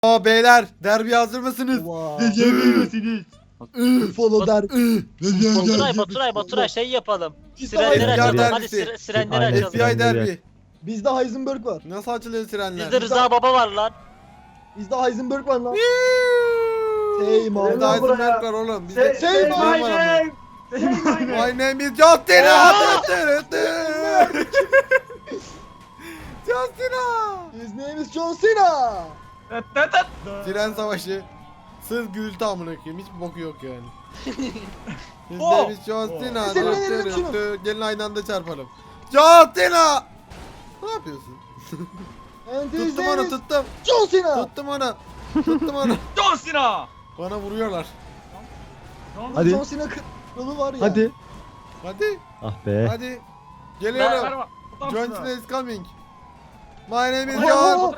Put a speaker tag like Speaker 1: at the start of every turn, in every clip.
Speaker 1: Beyler derbi hazır mısınız?
Speaker 2: Follow der.
Speaker 3: Baturay şey yapalım.
Speaker 2: Bizde
Speaker 3: Sirenleri
Speaker 1: FBI
Speaker 3: açalım.
Speaker 1: derbisi.
Speaker 3: Hadi sirenleri
Speaker 4: Aynen.
Speaker 3: açalım.
Speaker 1: FBI derbi.
Speaker 2: Bizde Heisenberg var.
Speaker 1: Nasıl açılıyor sirenler?
Speaker 3: Bizde Rıza Baba var lan.
Speaker 2: Bizde Heisenberg var lan.
Speaker 1: Yuuu.
Speaker 2: Hey man.
Speaker 1: Bizde Heisenberg var oğlum. Bizde
Speaker 2: Say my
Speaker 1: var ama. My name is John Cena. John Cena.
Speaker 2: His name is John Cena.
Speaker 1: Siren savaşı. Sırf gürültü amına koyayım. Hiç boku yok yani. His
Speaker 3: Oh.
Speaker 1: name is John Cena.
Speaker 2: Senin elini şunu.
Speaker 1: Gelin aynı anda çarpalım. John Cena. Ne yapıyorsun?
Speaker 2: And his
Speaker 1: Tuttum
Speaker 2: name
Speaker 1: onu
Speaker 2: is
Speaker 1: tuttum.
Speaker 2: John Cena.
Speaker 1: Tuttum onu. Tuttum onu.
Speaker 5: John Cena.
Speaker 1: Bana vuruyorlar.
Speaker 4: Hadi.
Speaker 2: John Cena kralı var ya.
Speaker 4: Hadi.
Speaker 1: Hadi.
Speaker 4: Ah be.
Speaker 1: Hadi. Geliyorum.
Speaker 5: Merhaba.
Speaker 1: John Cena is coming. My name is
Speaker 2: Oh.
Speaker 1: John.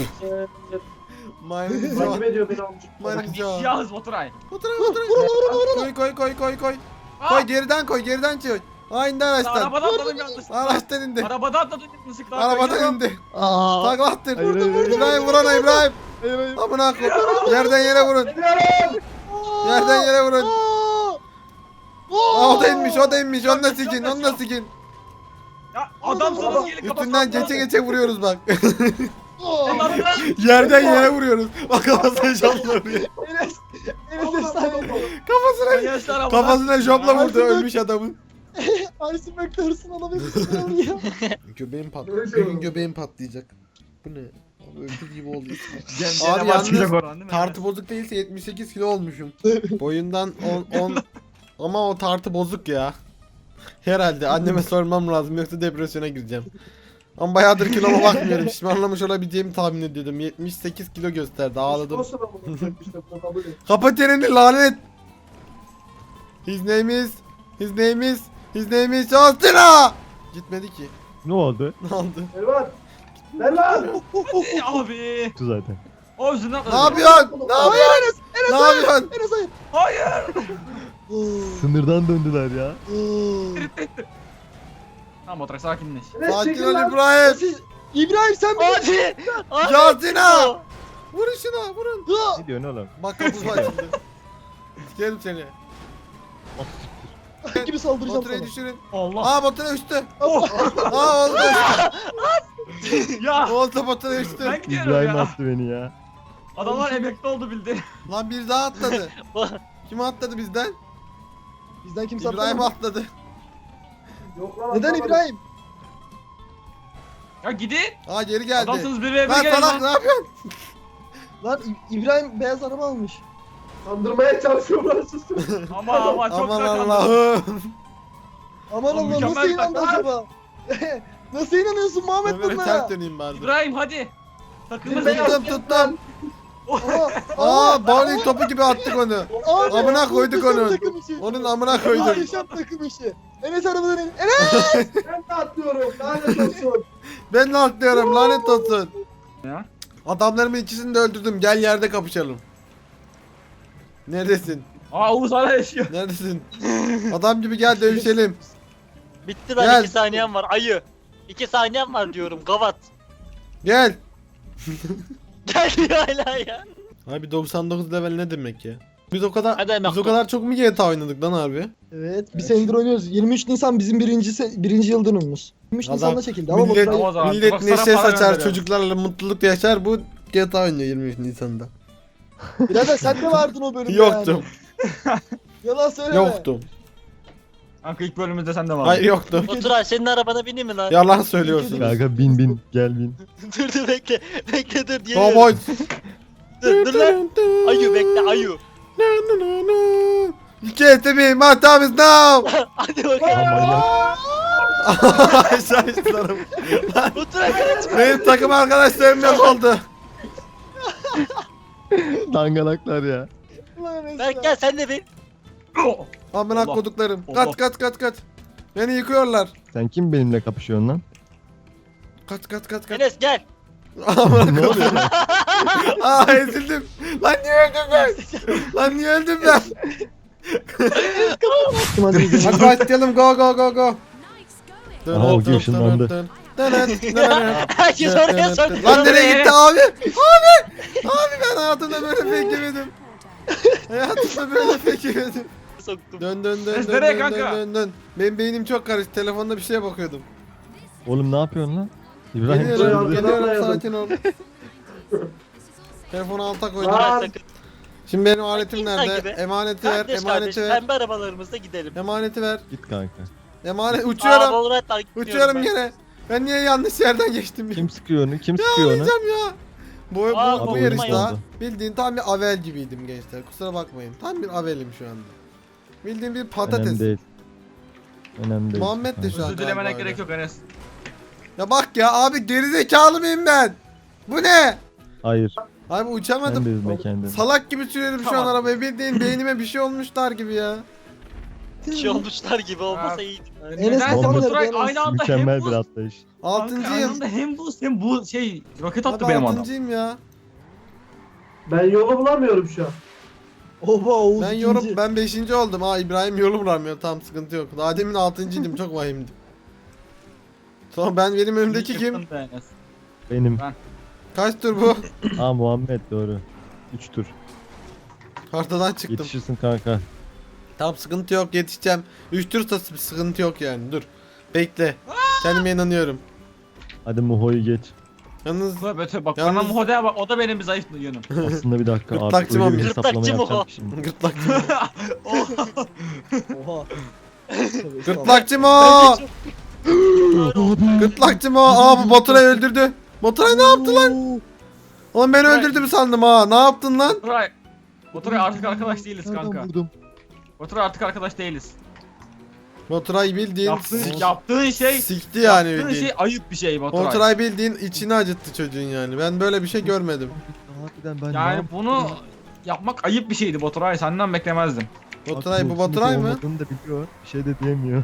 Speaker 1: My name is John.
Speaker 6: Takip ediyor beni amcık.
Speaker 1: My name is John.
Speaker 5: Yağız Baturay.
Speaker 1: Otur
Speaker 2: Vur
Speaker 1: otur.
Speaker 2: vur vur.
Speaker 1: Koy. Koy geriden çık. Aynı araçtan.
Speaker 5: Arabadan atladım yanlışlıkla.
Speaker 1: Araçtan indi.
Speaker 5: Arabadan atladım yanlışlıkla.
Speaker 1: Arabadan indi.
Speaker 4: Aa.
Speaker 1: Takla attır.
Speaker 4: Hayır, hayır, hayır.
Speaker 1: İbrahim vurana İbrahim. Amına koy. Yerden yere vurun. Yerden yere vurun. Aa, o da inmiş. Onu da sikin.
Speaker 5: Ya adamsınız gelin
Speaker 1: Üstünden geçe vuruyoruz bak.
Speaker 5: Allah'ım.
Speaker 1: Yerden yere vuruyoruz. Bak kafasına jopla vuruyor.
Speaker 2: Enes efsane.
Speaker 1: Kafasına jopla vurdu ölmüş adamın.
Speaker 2: Heisenberg de hırsını alabilmiş ya.
Speaker 1: Göbeğim patlayacak. Bu ne? Abi öldü gibi oldu.
Speaker 5: Abi
Speaker 1: Abi yalnız
Speaker 5: yalnız
Speaker 1: tartı bozuk değilse 78 kilo olmuşum. Boyundan 10 ama o tartı bozuk ya. Herhalde anneme sormam lazım yoksa depresyona gireceğim. Ama bayağıdır kiloma bakmıyorum. Şişmanlamış olabileceğimi tahmin ediyordum. 78 kilo gösterdi. Ağladım. Kapat yerini lanet. His name is John Cena. Gitmedi ki.
Speaker 4: Ne oldu?
Speaker 1: Ne oldu?
Speaker 6: Elvan. Ver lan.
Speaker 5: Abi.
Speaker 4: Tu zaten.
Speaker 5: O yüzünden
Speaker 1: Ne yapıyorsun? Ne yapıyorsun? Ne yapıyorsun?
Speaker 2: Enes hayır.
Speaker 5: Hayır.
Speaker 4: Sınırdan döndüler ya.
Speaker 5: Tamam Baturay sakinleş.
Speaker 6: Enes
Speaker 1: Sakin
Speaker 6: çekil
Speaker 1: ol
Speaker 6: lan.
Speaker 1: İbrahim.
Speaker 2: İbrahim sen mi?
Speaker 3: Hadi.
Speaker 1: John Cena. Vurun şuna vurun.
Speaker 4: Ne diyorsun oğlum?
Speaker 1: Bak kapı açıldı. Sikerim seni.
Speaker 2: gibi saldıracağım
Speaker 1: Baturayı
Speaker 2: sana.
Speaker 1: düşürün.
Speaker 5: Allah.
Speaker 1: Aa Batura uçtu.
Speaker 5: Oh.
Speaker 1: Aa oldu.
Speaker 5: Ya.
Speaker 1: Oldu Batura uçtu.
Speaker 5: Ben gidiyorum
Speaker 4: İbrahim
Speaker 5: ya.
Speaker 4: attı beni ya.
Speaker 5: Adamlar emekli oldu bildi.
Speaker 1: Lan bir daha atladı. Kim atladı bizden?
Speaker 2: Bizden kimse
Speaker 1: İbrahim
Speaker 2: atlamadı.
Speaker 1: atladı.
Speaker 6: Yok lan,
Speaker 2: Neden
Speaker 6: atlamadım.
Speaker 2: İbrahim?
Speaker 5: Ya gidin.
Speaker 1: Aa geri geldi.
Speaker 5: Adamsınız bir ve
Speaker 1: Lan
Speaker 5: gelin
Speaker 1: salak ne
Speaker 5: lan.
Speaker 1: yapıyorsun?
Speaker 2: Lan İbrahim beyaz araba almış.
Speaker 6: Kandırmaya çalışıyorlar susun.
Speaker 5: Ama çok
Speaker 1: Aman
Speaker 5: sakat.
Speaker 1: Allah'ım.
Speaker 2: Aman
Speaker 5: Oğlum,
Speaker 2: Allah nasıl
Speaker 5: mükemmel
Speaker 2: inandı
Speaker 5: taktik.
Speaker 2: acaba? Nasıl inanıyorsun Muhammed
Speaker 1: Ömer'e ters
Speaker 2: bunlara?
Speaker 1: döneyim bari.
Speaker 5: İbrahim hadi. Takımız
Speaker 1: Tuttum.
Speaker 2: Aa,
Speaker 1: Bowling topu gibi attık onu.
Speaker 2: abi,
Speaker 1: Amına koyduk
Speaker 2: muhteşem
Speaker 1: onu.
Speaker 2: takım işi.
Speaker 1: Onun amına koyduk.
Speaker 2: Muhteşem takım işi. Enes arabadan in. Enes!
Speaker 6: Ben de atlıyorum. Lanet olsun.
Speaker 1: Ben de atlıyorum lanet olsun.
Speaker 5: Ya.
Speaker 1: Adamlarımın ikisini de öldürdüm. Gel yerde kapışalım. Neredesin?
Speaker 5: Aa Oğuz hala yaşıyor.
Speaker 1: Neredesin? Adam gibi gel dövüşelim.
Speaker 3: Bitti lan
Speaker 1: Gel.
Speaker 3: 2 saniyem var ayı. 2 saniyem var diyorum gavat.
Speaker 1: Gel.
Speaker 3: Gel ya hala ya.
Speaker 1: Abi 99 level ne demek ya? Biz o kadar
Speaker 3: Hadi Emre.
Speaker 1: biz o kadar çok mu GTA oynadık lan harbi?
Speaker 2: Evet, bir senedir oynuyoruz. 23 Nisan bizim birinci yıl dönümümüz. 23
Speaker 1: Adam,
Speaker 2: Nisan'da çekildi ama
Speaker 1: millet,
Speaker 2: Baturay-
Speaker 5: O zaman
Speaker 1: millet
Speaker 5: bak sana
Speaker 1: neşe
Speaker 5: para
Speaker 1: saçar,
Speaker 5: gönderiyorum.
Speaker 1: çocuklarla mutluluk yaşar. Bu GTA oynuyor 23 Nisan'da.
Speaker 2: Birader sen de vardın o bölümde
Speaker 1: Yoktum.
Speaker 2: yani. Yalan söyleme.
Speaker 1: Yoktum.
Speaker 5: Kanka ilk bölümümüzde sen de var.
Speaker 1: Hayır yoktum.
Speaker 3: Baturay senin arabana bineyim mi lan?
Speaker 1: Yalan söylüyorsun.
Speaker 4: Kanka bin gel bin.
Speaker 3: dur bekle. Bekle dur diye.
Speaker 1: Cowboy.
Speaker 3: Dur lan. Ayı bekle ayı.
Speaker 1: You can't see me, my time is now.
Speaker 3: Hadi bakalım.
Speaker 4: Manyak.
Speaker 1: Aşağı istiyorum.
Speaker 3: Baturay kaç.
Speaker 1: Benim takım arkadaşlarım yok oldu.
Speaker 4: Dangalaklar ya.
Speaker 2: Ulan Enes
Speaker 3: Berk
Speaker 2: ya.
Speaker 3: gel sen de bin.
Speaker 1: Amına
Speaker 5: Allah.
Speaker 1: koduklarım.
Speaker 5: Allah.
Speaker 1: Kaç. Beni yıkıyorlar.
Speaker 4: Sen kim benimle kapışıyorsun lan?
Speaker 1: Kaç.
Speaker 3: Enes gel.
Speaker 1: Amına
Speaker 4: Ne oluyor?
Speaker 1: Aa ezildim. Lan niye öldüm ben? Lan niye öldüm ben?
Speaker 2: Hadi gidelim.
Speaker 1: Hadi başlayalım go.
Speaker 4: Aha, o ışınlandı.
Speaker 3: Herkes oraya soktu.
Speaker 1: Lan nereye gitti abi? Abi ben hayatımda böyle fake yemedim. Hayatımda böyle fake yemedim.
Speaker 3: Soktum.
Speaker 1: Dön dön dön
Speaker 5: Ses
Speaker 1: dön
Speaker 5: nereye
Speaker 1: dön
Speaker 5: kanka?
Speaker 1: dön dön. Benim beynim çok karıştı. Telefonda bir şeye bakıyordum.
Speaker 4: Oğlum ne yapıyorsun lan? İbrahim
Speaker 1: Geliyorum,
Speaker 6: Arkadan
Speaker 1: geliyorum,
Speaker 6: dayadım.
Speaker 1: sakin ol. Telefonu alta koydum.
Speaker 6: Aa,
Speaker 3: Sakın.
Speaker 1: Şimdi benim aletim
Speaker 3: İnsan
Speaker 1: nerede?
Speaker 3: gibi.
Speaker 1: Emaneti ver,
Speaker 3: Kardeş kardeş
Speaker 1: emaneti ver.
Speaker 3: pembe arabalarımızda gidelim.
Speaker 1: Emaneti ver.
Speaker 4: git kanka.
Speaker 1: Emanet
Speaker 3: Aa,
Speaker 1: uçuyorum.
Speaker 3: Valorant'tan gitmiyorum
Speaker 1: Uçuyorum
Speaker 3: ben.
Speaker 1: gene. Ben niye yanlış yerden geçtim?
Speaker 4: Kim sıkıyor onu? Kim sıkıyor onu?
Speaker 1: Yapacağım ya. Bu
Speaker 3: Aa,
Speaker 1: bu
Speaker 4: oyun
Speaker 1: yarışta
Speaker 4: oldu.
Speaker 1: bildiğin tam bir avel gibiydim gençler. Kusura bakmayın. Tam bir avelim şu anda. Bildiğin bir patates.
Speaker 4: Önemli değil. Önemli değil.
Speaker 1: Muhammed de şu an.
Speaker 5: Özür dilemene
Speaker 1: galiba
Speaker 5: gerek
Speaker 1: öyle.
Speaker 5: yok Enes.
Speaker 1: Ya bak ya abi gerizekalı mıyım ben? Bu ne?
Speaker 4: Hayır.
Speaker 1: Abi
Speaker 4: Sen de
Speaker 1: uçamadım.
Speaker 4: üzme kendini.
Speaker 1: Salak gibi sürüyorum şu an
Speaker 5: Tamam.
Speaker 1: arabayı. Bildiğin beynime bir şey olmuşlar gibi ya.
Speaker 3: Bir şey olmuşlar gibi olmasa
Speaker 5: Abi.
Speaker 3: iyiydi.
Speaker 2: Enes
Speaker 5: Nedense
Speaker 2: bakalım
Speaker 5: Baturay
Speaker 2: nerede,
Speaker 5: aynı anda
Speaker 4: Mükemmel
Speaker 5: hem
Speaker 4: bir
Speaker 5: buz.
Speaker 4: atlayış.
Speaker 5: Kanka,
Speaker 1: Altıncıyım.
Speaker 5: aynı anda hem buz hem bu şey roket attı
Speaker 1: Abi
Speaker 5: benim adam.
Speaker 1: altıncıyım ya.
Speaker 6: Ben yolu bulamıyorum şu an.
Speaker 2: Oha Oğuz
Speaker 1: Ben
Speaker 2: ikinci.
Speaker 1: yorum ben 5. oldum. Ha İbrahim yolu bulamıyor. Tamam sıkıntı yok. Daha demin 6.'ydim. Çok vahimdi. Sonra benim önümdeki kim?
Speaker 5: Yıktın be Enes.
Speaker 4: Benim.
Speaker 1: Kaç tur bu?
Speaker 4: Aa Muhammed doğru. 3 tur.
Speaker 1: Haritadan çıktım.
Speaker 4: Yetişirsin kanka.
Speaker 1: Tamam sıkıntı yok yetişeceğim. 3 tur da sıkıntı yok yani. Dur. Bekle. Kendime inanıyorum.
Speaker 4: Hadi Muho'yu geç.
Speaker 1: Yalnız
Speaker 5: Bak
Speaker 1: Yalnız-
Speaker 5: bana Muho'da bak o da benim bir zayıf yönüm.
Speaker 4: Aslında bir dakika
Speaker 1: Gırtlakçı
Speaker 4: artık öyle bir
Speaker 1: Muhammed.
Speaker 4: hesaplama
Speaker 3: Gırtlakçı Muho.
Speaker 4: yapacağım ki şimdi.
Speaker 1: gırtlakçı.
Speaker 2: Oha.
Speaker 1: Gırtlakçı mı? Gırtlakçı mı? Aa bu Baturay öldürdü. Baturay ne yaptı lan? Oğlum beni
Speaker 5: Baturay-
Speaker 1: öldürdü mü sandım ha? Ne yaptın lan?
Speaker 5: Baturay artık arkadaş değiliz kanka.
Speaker 4: Nereden vurdum?
Speaker 5: Baturay artık arkadaş değiliz.
Speaker 1: Baturay bildiğin
Speaker 5: Yaptığın şey
Speaker 1: sikti yani
Speaker 5: yaptığın
Speaker 1: bildiğin.
Speaker 5: şey ayıp bir şey Baturay.
Speaker 1: Baturay bildiğin içini acıttı çocuğun yani. Ben böyle bir şey görmedim.
Speaker 4: Harbiden ben ne
Speaker 5: Yani
Speaker 4: yaptım
Speaker 5: bunu
Speaker 4: ya?
Speaker 5: yapmak ayıp bir şeydi Baturay. Senden beklemezdim.
Speaker 1: Baturay bu
Speaker 4: Haklı,
Speaker 1: Baturay
Speaker 4: sinirli
Speaker 1: mı?
Speaker 4: olmadığını da biliyor. Bir şey de diyemiyor.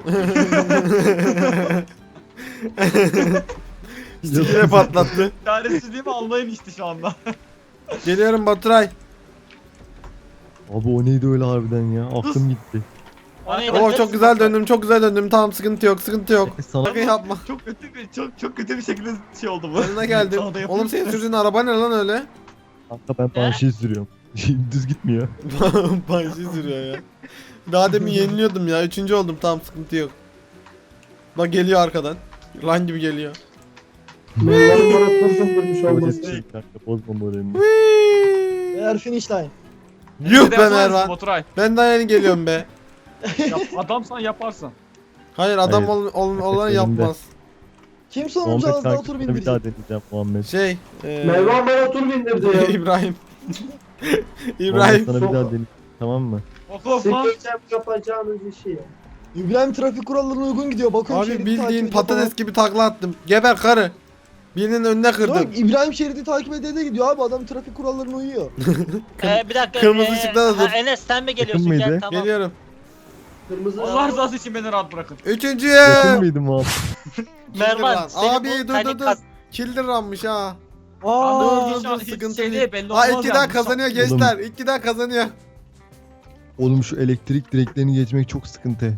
Speaker 1: Sikine patlattı.
Speaker 5: Çaresizliğimi anlayın işte şu anda.
Speaker 1: Geliyorum Baturay.
Speaker 4: Abi o neydi öyle harbiden ya? Aklım gitti.
Speaker 3: O neydi?
Speaker 1: Oo çok güzel döndüm, çok güzel döndüm. Tamam sıkıntı yok, sıkıntı yok.
Speaker 4: Sana
Speaker 1: Sakın yapma.
Speaker 5: Çok kötü bir şekilde şey oldu bu.
Speaker 1: Yanına geldim.
Speaker 5: Sana da yapayım.
Speaker 1: Oğlum senin sürdüğün araba ne lan öyle?
Speaker 4: kanka ben banşi sürüyorum. Düz gitmiyor.
Speaker 1: Banşi sürüyor ya. Daha demin yeniliyordum ya. 3. oldum. Tamam sıkıntı yok. Bak geliyor arkadan. Lan gibi geliyor.
Speaker 6: Bunların bana kızım durmuş olması.
Speaker 4: Yetişir kanka bozma moralini.
Speaker 2: Eğer finish line.
Speaker 1: Yuh be
Speaker 5: Yapar mısın
Speaker 1: Mervan.
Speaker 5: Baturay.
Speaker 1: Ben daha yeni geliyorum be.
Speaker 5: Adamsan yaparsın.
Speaker 1: Hayır adam
Speaker 4: Hayır.
Speaker 1: olan
Speaker 4: Elimde.
Speaker 1: yapmaz.
Speaker 2: Kim sonuncu
Speaker 4: Muhammed
Speaker 2: az daha
Speaker 4: kanka
Speaker 2: tur
Speaker 4: sana bir daha
Speaker 2: bindirecek?
Speaker 4: deneyeceğim Muhammed.
Speaker 1: Şey.
Speaker 6: Mervan bana tur bindirdi ya.
Speaker 1: İbrahim.
Speaker 4: Muhammed
Speaker 1: İbrahim.
Speaker 4: sana bir daha deneyeceğim. Tamam mı?
Speaker 5: Of lan.
Speaker 6: Sikeceğim yapacağınız işi ya.
Speaker 2: İbrahim trafik kurallarına uygun gidiyor. Bakıyorum
Speaker 1: Abi
Speaker 2: şeridi
Speaker 1: bildiğin
Speaker 2: takip ediyor
Speaker 1: patates gibi takla attım. Geber karı. Birinin önüne
Speaker 2: falan.
Speaker 1: kırdım.
Speaker 2: Yok İbrahim şeridi takip ede gidiyor abi. Adam trafik kurallarına uyuyor.
Speaker 3: Bir dakika.
Speaker 1: Kırmızı ışıkta da dur.
Speaker 3: Enes sen mi geliyorsun?
Speaker 4: mıydı?
Speaker 3: Gel tamam.
Speaker 1: Geliyorum.
Speaker 6: Kırmızı.
Speaker 5: Allah rızası için beni rahat bırakın.
Speaker 1: Üçüncüye.
Speaker 4: Yakın mıydı Muhammed?
Speaker 3: Mervan seni
Speaker 1: Abi
Speaker 3: bu
Speaker 1: dur
Speaker 3: hani
Speaker 1: dur dur.
Speaker 3: kas-
Speaker 1: Kill ranmış ha.
Speaker 2: Aa,
Speaker 1: dur,
Speaker 5: Şu an
Speaker 1: dur,
Speaker 5: hiç
Speaker 1: sıkıntı
Speaker 5: şey
Speaker 1: değil.
Speaker 5: belli
Speaker 1: Ha
Speaker 5: olmaz
Speaker 1: 2'den
Speaker 5: yani.
Speaker 1: kazanıyor gençler. 2'den kazanıyor.
Speaker 4: Oğlum şu elektrik direklerini geçmek çok sıkıntı.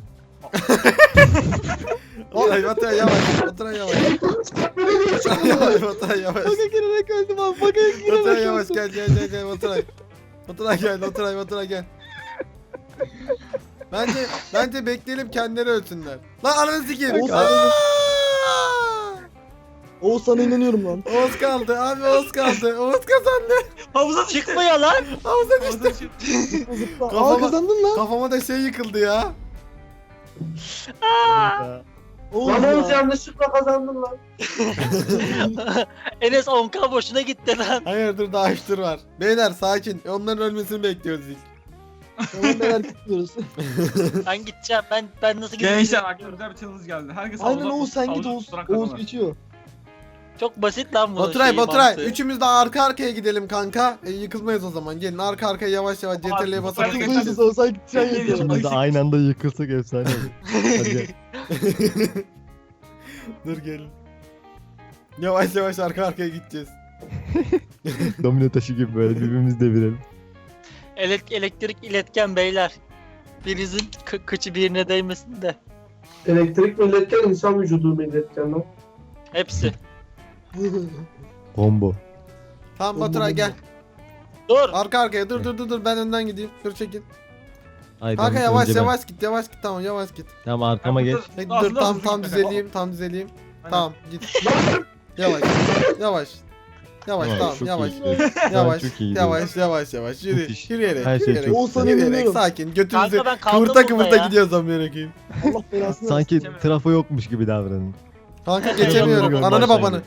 Speaker 1: Baturay Baturay yavaş. Baturay yavaş. Baturay yavaş. Baturay yavaş.
Speaker 2: Baka girerek öldüm abi. Baka girerek
Speaker 1: Baturay yavaş
Speaker 2: öldüm.
Speaker 1: gel Baturay. Baturay gel Baturay gel. Bence bekleyelim kendileri ölsünler. Lan ananı sikeyim.
Speaker 2: Oğuz-
Speaker 1: Aa!
Speaker 2: Oğuz sana inanıyorum lan.
Speaker 1: Oğuz kaldı abi Oğuz kaldı. Oğuz kazandı.
Speaker 5: Havuza düştü.
Speaker 3: Çıkmıyor lan.
Speaker 1: Havuza düştü.
Speaker 5: Havuza düştü.
Speaker 2: Zıpla. Aa
Speaker 1: Kafama-
Speaker 2: kazandın lan.
Speaker 1: Kafama da şey yıkıldı ya.
Speaker 2: Oğuz
Speaker 6: Lan Oğuz
Speaker 2: ya.
Speaker 6: yanlışlıkla kazandın lan.
Speaker 3: Enes 10k boşuna gitti lan.
Speaker 1: Hayır dur daha 3 tur var. Beyler sakin. Onların ölmesini bekliyoruz ilk.
Speaker 2: Tamam beyler gidiyoruz.
Speaker 3: Ben gideceğim. Ben nasıl gideceğim?
Speaker 5: Gençler aklıma güzel bir challenge geldi. Herkes
Speaker 2: Aynen
Speaker 5: havuza-
Speaker 2: Oğuz sen git
Speaker 5: havuza
Speaker 2: Oğuz.
Speaker 5: tutulan
Speaker 2: Oğuz
Speaker 5: kazanır.
Speaker 2: geçiyor.
Speaker 3: Çok basit lan bu.
Speaker 1: Baturay üçümüz de arka arkaya gidelim kanka. Yıkılmayız o zaman. Gelin arka arkaya yavaş yavaş CTRL'ye basarak.
Speaker 5: Baturay-
Speaker 2: Hızlıyız Oğuz sen gideceksin
Speaker 5: Ay,
Speaker 2: yeter.
Speaker 4: İkimiz de aynı anda yıkılsak efsane olur. Hadi.
Speaker 1: Dur gelin. Yavaş yavaş arka arkaya gideceğiz.
Speaker 4: Domino taşı gibi böyle birbirimizi devirelim.
Speaker 3: Elektrik iletken beyler. Birinizin kıçı birine değmesin de.
Speaker 6: Elektrik milletken insan vücudu milletken lan.
Speaker 3: Hepsi.
Speaker 4: Combo.
Speaker 1: Tamam Baturay gel.
Speaker 3: Dur.
Speaker 1: Arka arkaya dur ben önden gideyim. Dur çekin.
Speaker 4: Hayır,
Speaker 1: Kanka
Speaker 4: ben-
Speaker 1: yavaş
Speaker 4: önce ben.
Speaker 1: yavaş git yavaş git tamam yavaş git.
Speaker 4: Tamam arkama geç.
Speaker 1: Hey,
Speaker 5: Nasıl,
Speaker 1: dur
Speaker 5: nasıl
Speaker 1: tam
Speaker 5: gitme?
Speaker 1: düzeleyim.
Speaker 5: Aynen.
Speaker 1: Tamam git. Yavaş. Yavaş. Yavaş tamam
Speaker 4: çok
Speaker 1: yavaş.
Speaker 4: iyi gidiyorsun.
Speaker 1: Yavaş.
Speaker 4: Çok iyi gidiyorsun.
Speaker 1: Yavaş. Yürü.
Speaker 4: Müthiş.
Speaker 1: Yürüyerek.
Speaker 4: Her şey
Speaker 1: Yürüyerek.
Speaker 4: çok
Speaker 2: Oğuzhan'a
Speaker 1: Yürüyerek
Speaker 2: inanıyorum.
Speaker 1: sakin. Götünüzü
Speaker 3: Kanka ben kaldım
Speaker 1: kıvırta
Speaker 3: burada ya.
Speaker 1: gidiyoruz amına koyayım.
Speaker 2: Allah belasını versin.
Speaker 4: Sanki
Speaker 5: Geçemedim.
Speaker 4: trafo yokmuş gibi davranın.
Speaker 1: Kanka
Speaker 3: Geçemiyorum.
Speaker 1: geçemiyorum. Ananı
Speaker 4: Görmezden
Speaker 1: babanı.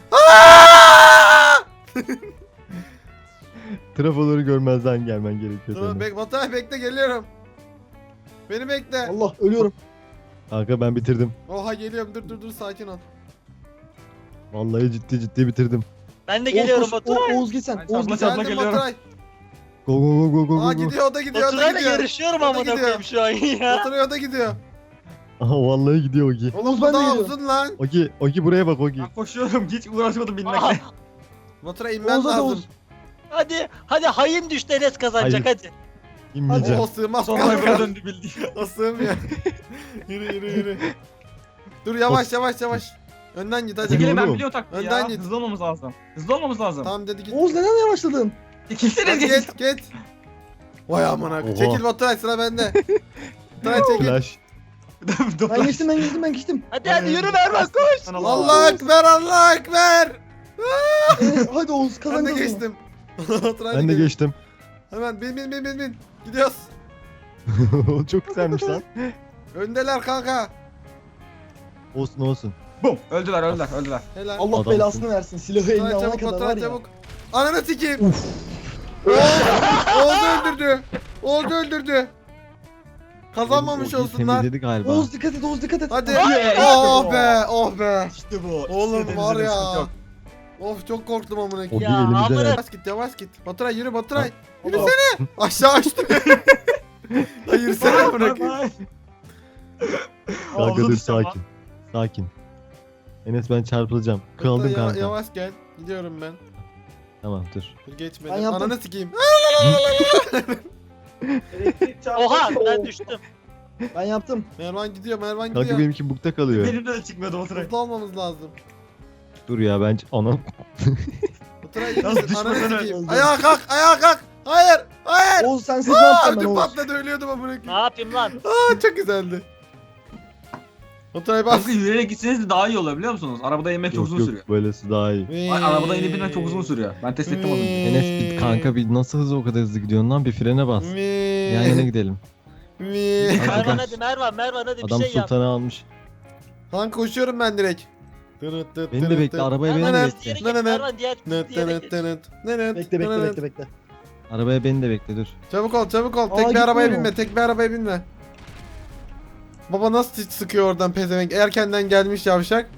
Speaker 4: Trafoları görmezden gelmen gerekiyor
Speaker 1: Dur
Speaker 4: senin.
Speaker 1: Baturay bekle geliyorum. Beni bekle.
Speaker 2: Allah ölüyorum.
Speaker 4: Kanka ben bitirdim.
Speaker 1: Oha geliyorum dur sakin ol.
Speaker 4: Vallahi ciddi bitirdim.
Speaker 3: Ben de geliyorum
Speaker 2: Oğuz,
Speaker 3: Baturay.
Speaker 2: Oğuz git sen.
Speaker 5: Ben
Speaker 2: Oğuz git
Speaker 5: çapla
Speaker 2: sen.
Speaker 5: çapla
Speaker 1: Geldim
Speaker 5: geliyorum.
Speaker 1: Baturay.
Speaker 4: Go.
Speaker 1: Aa gidiyor o da gidiyor
Speaker 3: Baturay'la yarışıyorum
Speaker 1: O da
Speaker 3: amına
Speaker 1: gidiyor.
Speaker 3: koyayım şu an ya.
Speaker 1: Baturay o da gidiyor.
Speaker 4: Aha vallahi gidiyor Ogi.
Speaker 1: Oğlum
Speaker 2: Oğuz
Speaker 1: bu
Speaker 2: ben de
Speaker 1: daha
Speaker 2: gidiyorum.
Speaker 1: uzun lan.
Speaker 4: Ogi buraya bak Ogi.
Speaker 5: Ben koşuyorum hiç uğraşmadım
Speaker 3: Aa,
Speaker 5: binmekle.
Speaker 1: Baturay inmen
Speaker 2: Oğuz'a da
Speaker 1: lazım.
Speaker 2: Oğuz.
Speaker 3: hadi hain düştü Enes kazanacak hadi.
Speaker 4: İnmeyeceğim.
Speaker 1: O sığmaz
Speaker 5: Sonra
Speaker 1: kanka.
Speaker 5: böyle döndü bildiğin.
Speaker 1: O sığmıyor. yürü. Dur yavaş. Önden git hadi.
Speaker 5: Çekilin ben
Speaker 4: oğlum.
Speaker 5: biliyorum taktiği
Speaker 1: Önden
Speaker 5: ya.
Speaker 1: git.
Speaker 5: Hızlı olmamız lazım. Hızlı olmamız lazım.
Speaker 1: Tamam dedi git.
Speaker 2: Oğuz neden yavaşladın?
Speaker 5: İkisiniz
Speaker 1: Hadi
Speaker 5: git.
Speaker 1: git. Vay amına.
Speaker 4: Oha.
Speaker 1: Çekil Baturay sıra bende. Baturay çekil.
Speaker 4: Flash.
Speaker 2: Ben geçtim.
Speaker 3: Hadi yürü Mervan koş.
Speaker 1: Allah ekber.
Speaker 2: Hadi Oğuz kazan
Speaker 1: Ben de
Speaker 2: kazan.
Speaker 1: geçtim. Baturay
Speaker 4: Ben de
Speaker 1: geliyor.
Speaker 4: geçtim.
Speaker 1: Hemen bin. Gidiyoruz.
Speaker 4: Çok güzelmiş lan.
Speaker 1: Öndeler kanka.
Speaker 4: Olsun.
Speaker 5: Bum. Öldüler.
Speaker 1: Helal.
Speaker 2: Allah
Speaker 4: Adamsın.
Speaker 2: belasını versin. Silahı eline
Speaker 1: Baturay
Speaker 2: alana
Speaker 1: çabuk
Speaker 2: kadar var
Speaker 1: Baturay
Speaker 2: ya.
Speaker 1: çabuk. Ananı sikeyim. Oğuz öldürdü. Kazanmamış
Speaker 4: Ogi
Speaker 1: olsunlar.
Speaker 4: temizledi galiba.
Speaker 2: Oğuz dikkat et.
Speaker 1: Hadi.
Speaker 5: Yeah.
Speaker 1: Oh be.
Speaker 5: İşte bu.
Speaker 1: Oğlum
Speaker 5: İstediğinizde
Speaker 1: var
Speaker 5: bir
Speaker 1: ya.
Speaker 5: sıkıntı yok.
Speaker 1: Of çok korktum amına
Speaker 4: Ogi
Speaker 1: koyayım.
Speaker 3: Ya,
Speaker 4: elimizden
Speaker 3: amına-
Speaker 4: al.
Speaker 1: Yavaş git. Baturay yürü Baturay.
Speaker 2: Allah.
Speaker 1: Yürüsene. Aşağı açtı. Lan yürüsene amına
Speaker 5: Bay
Speaker 1: koyayım.
Speaker 5: bay.
Speaker 4: Kanka
Speaker 5: Havuza
Speaker 4: dur
Speaker 5: düşeceğim lan.
Speaker 4: sakin. Enes ben çarpılacağım. Kaldım
Speaker 1: Baturay,
Speaker 4: kanka.
Speaker 1: Yavaş gel. Gidiyorum ben.
Speaker 4: Tamam dur.
Speaker 1: Dur geçme.
Speaker 2: Ben yaptım.
Speaker 1: Ananı sikeyim.
Speaker 6: Elektrik çarptı.
Speaker 3: Oha ben düştüm.
Speaker 2: Ben yaptım.
Speaker 1: Mervan gidiyor.
Speaker 4: Kanka
Speaker 1: gidiyor.
Speaker 4: benimki bukta kalıyor.
Speaker 5: Benimde de çıkmıyordu Baturay.
Speaker 1: Hızlı olmamız lazım.
Speaker 4: Dur ya bence anam.
Speaker 1: Baturay iyi
Speaker 5: Nasıl
Speaker 1: misin? Ananı
Speaker 5: düşmeden
Speaker 1: sikeyim.
Speaker 2: öldü?
Speaker 1: Ayağa kalk. Hayır.
Speaker 2: Oğuz sensiz ne yapacağım ben
Speaker 1: Ödüm
Speaker 2: Oğuz?
Speaker 1: patladı ölüyordum amına
Speaker 3: Ne
Speaker 1: koyayım.
Speaker 3: yapayım lan?
Speaker 1: Çok güzeldi. Baturay bas.
Speaker 5: Aslında yürüyerek gitseniz de daha iyi olur biliyor musunuz? Arabada inmek çok uzun sürüyor.
Speaker 4: Yok böylesi daha iyi.
Speaker 5: Ay, arabada inip binmek çok uzun sürüyor. Ben test ettim onu.
Speaker 4: Enes bir kanka bir nasıl hızlı o kadar hızlı gidiyorsun lan bir frene bas. Yan yana gidelim.
Speaker 3: Mervan hadi Mervan hadi bir
Speaker 4: Adam
Speaker 3: şey yap.
Speaker 4: sultanı almış.
Speaker 1: Kanka koşuyorum ben direkt.
Speaker 4: Beni de bekle arabaya beni de
Speaker 3: Mervan
Speaker 4: bekle.
Speaker 3: diğeri geç Mervan diğer
Speaker 2: Bekle.
Speaker 4: Arabaya beni de bekle dur.
Speaker 1: Çabuk ol.
Speaker 2: Aa,
Speaker 1: Tek bir arabaya
Speaker 2: gitmiyor mu?
Speaker 1: binme. Tek bir arabaya binme. Baba nasıl sıkıyor oradan pezevenk. Erkenden gelmiş yavşak.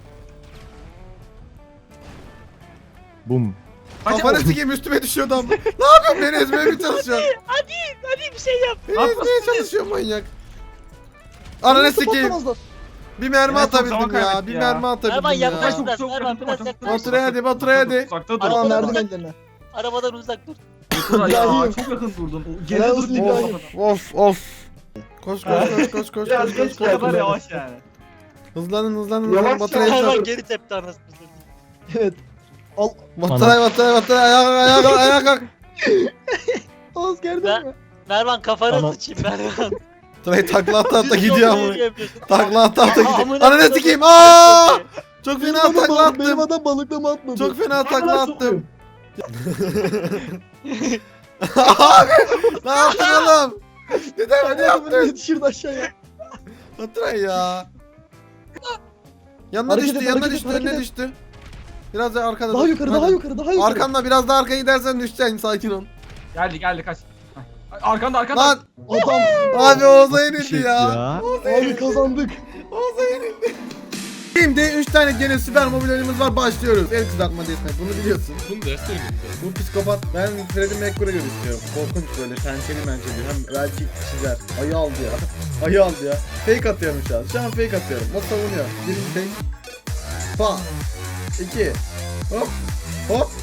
Speaker 4: Bum.
Speaker 1: Kafanı sikeyim üstüme düşüyor adam. Ne yapıyorsun beni ezmeye mi çalışıyorsun?
Speaker 3: Hadi bir şey yap.
Speaker 1: Beni ezmeye çalışıyor manyak. Ananı sikeyim. Bir mermi
Speaker 5: Evet, çok zaman
Speaker 1: atabildim ya.
Speaker 5: kaybetti
Speaker 1: Bir
Speaker 5: ya.
Speaker 1: mermi
Speaker 3: Mervan
Speaker 1: atabildim
Speaker 3: yaklaş
Speaker 1: ya.
Speaker 3: biraz.
Speaker 5: Çok
Speaker 3: Mervan
Speaker 5: yakın,
Speaker 3: biraz
Speaker 5: çok
Speaker 3: yaklaş.
Speaker 5: yakın.
Speaker 1: Batıray hadi.
Speaker 5: Uzakta dur.
Speaker 2: Tamam
Speaker 3: Arabadan
Speaker 2: verdim
Speaker 3: uzak-
Speaker 2: ellerine.
Speaker 3: Arabadan uzak dur.
Speaker 5: Baturay ya
Speaker 2: İbrahim.
Speaker 5: çok yakın durdun.
Speaker 2: Helal
Speaker 5: Geride
Speaker 2: olsun
Speaker 5: dur.
Speaker 2: İbrahim.
Speaker 1: Of. Koş.
Speaker 6: Biraz geç
Speaker 5: O kadar
Speaker 6: geldi.
Speaker 5: yavaş yani.
Speaker 1: Hızlanın.
Speaker 6: Yavaş
Speaker 1: Batıray
Speaker 6: yavaş.
Speaker 3: Mervan geri tepti anasını.
Speaker 2: Evet.
Speaker 1: Batıray. Ayağa kalk.
Speaker 2: Oğuz gördün
Speaker 3: Ben-
Speaker 2: mü?
Speaker 3: Mervan kafanı
Speaker 4: Tamam.
Speaker 3: sıçayım Mervan.
Speaker 1: Batıray takla ata
Speaker 3: Düz
Speaker 1: gidiyor
Speaker 3: yolda
Speaker 1: ama.
Speaker 3: yürüyemiyorsun.
Speaker 1: Takla ata gidiyor.
Speaker 3: Amına
Speaker 1: Ananı
Speaker 3: koyayım.
Speaker 1: sikeyim. Aa! Çok fena takla
Speaker 2: Benim
Speaker 1: attım.
Speaker 2: adam balıklama atmadı.
Speaker 1: Çok fena takla
Speaker 6: Bana
Speaker 1: attım.
Speaker 6: sokuyor.
Speaker 1: Abi ne yaptın oğlum? Neden ne yaptın?
Speaker 2: Yetişirdi aşağıya.
Speaker 1: Batıray ya. Yanına
Speaker 2: Hareket
Speaker 1: düştü,
Speaker 2: et,
Speaker 1: yanına
Speaker 2: hareket et,
Speaker 1: düştü, önüne
Speaker 2: hareket et.
Speaker 1: düştü. Biraz daha arkada.
Speaker 2: Daha
Speaker 1: dur.
Speaker 2: yukarı,
Speaker 1: Hadi.
Speaker 2: daha yukarı.
Speaker 1: Arkamda biraz daha arkaya gidersen düşeceksin, sakin ol.
Speaker 5: Geldi kaç. Arkanda.
Speaker 1: Lan
Speaker 2: Adam.
Speaker 1: abi Oğuz'a
Speaker 4: Bir
Speaker 1: yenildi
Speaker 4: şey
Speaker 1: ya.
Speaker 2: Abi kazandık.
Speaker 1: Oğuz'a yenildi. Şimdi 3 tane gene süper mobil oyunumuz var, başlıyoruz. El kızartma deathmatch, bunu biliyorsun.
Speaker 7: Bunu derste oynadık.
Speaker 1: Bu psikopat, ben Freddie Mercury'e göre istiyorum. Korkunç böyle, pençeli. Hem belki çizer. Ayı aldı ya. Fake atıyorum şu an. Şu an fake atıyorum. O savunuyor. Birinci fake. Pa. 2. Hop.